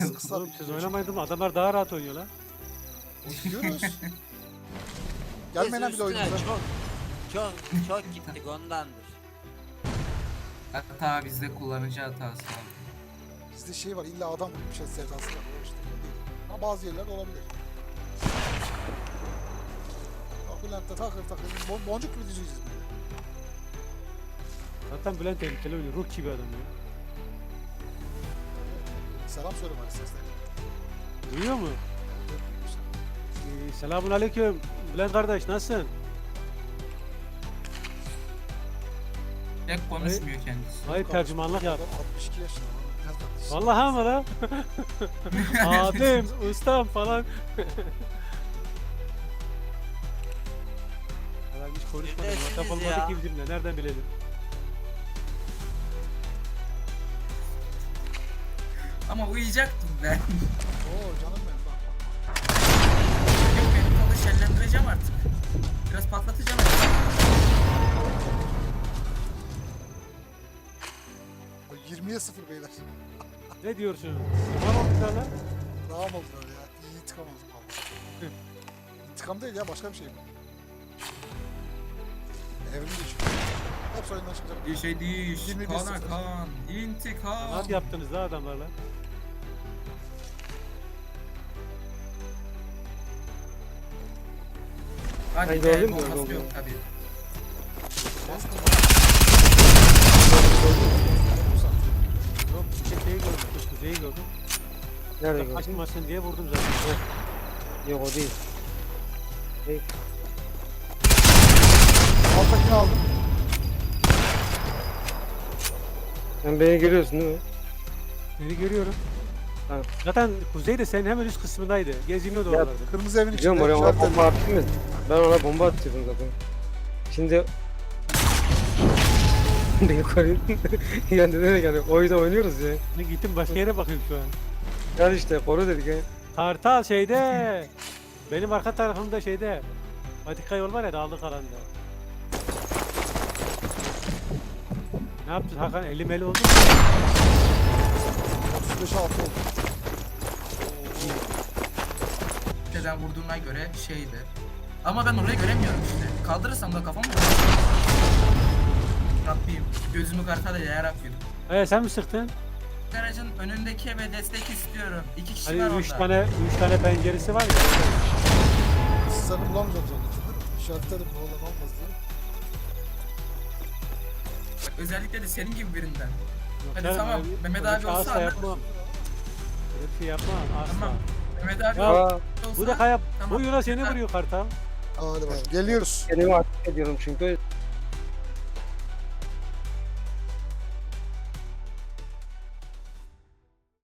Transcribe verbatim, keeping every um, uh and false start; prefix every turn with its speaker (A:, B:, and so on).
A: Kısa
B: Oğlum siz oynamayın mı? Adamlar daha rahat oynuyor lan.
A: Oynuyoruz. Gelmeyin
C: Biz
A: lan bir de
C: üstüne
A: oyunumuza.
C: çok çok çok gittik ondandır.
D: Hata bizde, kullanıcı hatası abi.
A: Bizde şey var, illa adam bir şey sevdası var. O işte değil. Ama bazı yerlerde olabilir. Bak Bülent'te takır takır. Bon boncuk gibi dizeceğiz böyle.
B: Zaten Bülent tehlikeli oynuyor. Ruh gibi adam ya.
A: Selam söyle bari sesler.
B: Duyuyor mu? Ee, selamun aleyküm. Bülent kardeş nasılsın?
D: Tek konuşmuyor kendisi.
B: Hayır tercümanlık yap.
A: Adam altmış iki yaşında. lan. Nereden?
B: Vallahi mı lan? Abim, ustam falan. Ben hiç konuşmadım.
C: Neredesiniz
B: WhatsApp
C: ya?
B: olmadı ki bizimle. Nereden bilelim?
D: Ama uyuyacaktım ben.
A: Oo canım benim bak bak.
D: Yok, benim kolu şenlendireceğim artık. Biraz patlatacağım.
A: bak. yirmiye sıfır beyler.
B: Ne diyorsun? Tamam mı lan?
A: Rağm oldular ya. İyi intikam aldım valla. İntikam değil ya, başka bir şey bu. Evrim geçiyor. Hepsi oyundan çıkacak.
D: Bir şey değil.
A: yirmi bir
D: Kana
A: sıfır.
D: kan. İntikam.
B: Nasıl yaptınız la adamlarla?
D: Hadi
E: Haydi
D: be,
E: oğlum,
D: bombası
E: oğlum.
D: yok tabii.
B: Yok, bir şey şeyi gördüm. Kuzeyi gördüm.
E: Nerede gördün?
B: Kaçmasın diye vurdum zaten.
E: Yok o değil.
A: Alttakini aldım.
E: Sen beni görüyorsun değil mi?
B: Seni görüyorum.
E: Tamam.
B: Zaten Kuzey de senin hemen üst kısmındaydı. Geziniyordu
E: Ya,
B: oralarda.
A: Kırmızı evin içinde.
E: Biliyorum oraya ona
A: işaretledim.
E: bomba attın mı? Ben ona bomba atıyordum zaten. Şimdi beni koruyun. Yani ne demek yani oyunda oynuyoruz ya.
B: Ben gittim başka yere bakıyorum şu an.
E: Gel işte koru dedik ya.
B: Kartal şeyde. Benim arka tarafımda şeyde. Patika yol var ya dağlık alanda. Ne yaptın Hakan? Eli meli oldu mu?
A: otuz beşe altı oldu.
D: Neden vurduğuna göre şeydir. Ama ben orayı göremiyorum işte. Kaldırırsam da kafam mı? Rabbim, gözümü kartala ya Rabbim.
B: Ee sen mi sıktın?
D: Garajın önündeki eve destek istiyorum. İki kişi var
B: Hani
D: orada.
B: üç tane üç tane penceresi var ya.
A: Siz seni bulamayacağım zannettim. İşaretledim ne olur ne olmaz diye.
D: Bak, özellikle de senin gibi birinden.
B: Yok
D: Hadi
B: canım,
D: tamam,
B: öyle-
D: Mehmet
B: öyle
D: abi
B: bir şey
D: olsa
B: asla
D: anlarım.
B: yapmam. Öyle bir şey yapmam asla.
D: Tamam. Mehmet abi
B: Ya,
E: Aa,
D: olsa...
B: Bu da kaya
D: Tamam.
B: bu Yunus seni vuruyor Kartal.
A: Hadi bakalım. Geliyoruz.
E: kendimi aktif ediyorum çünkü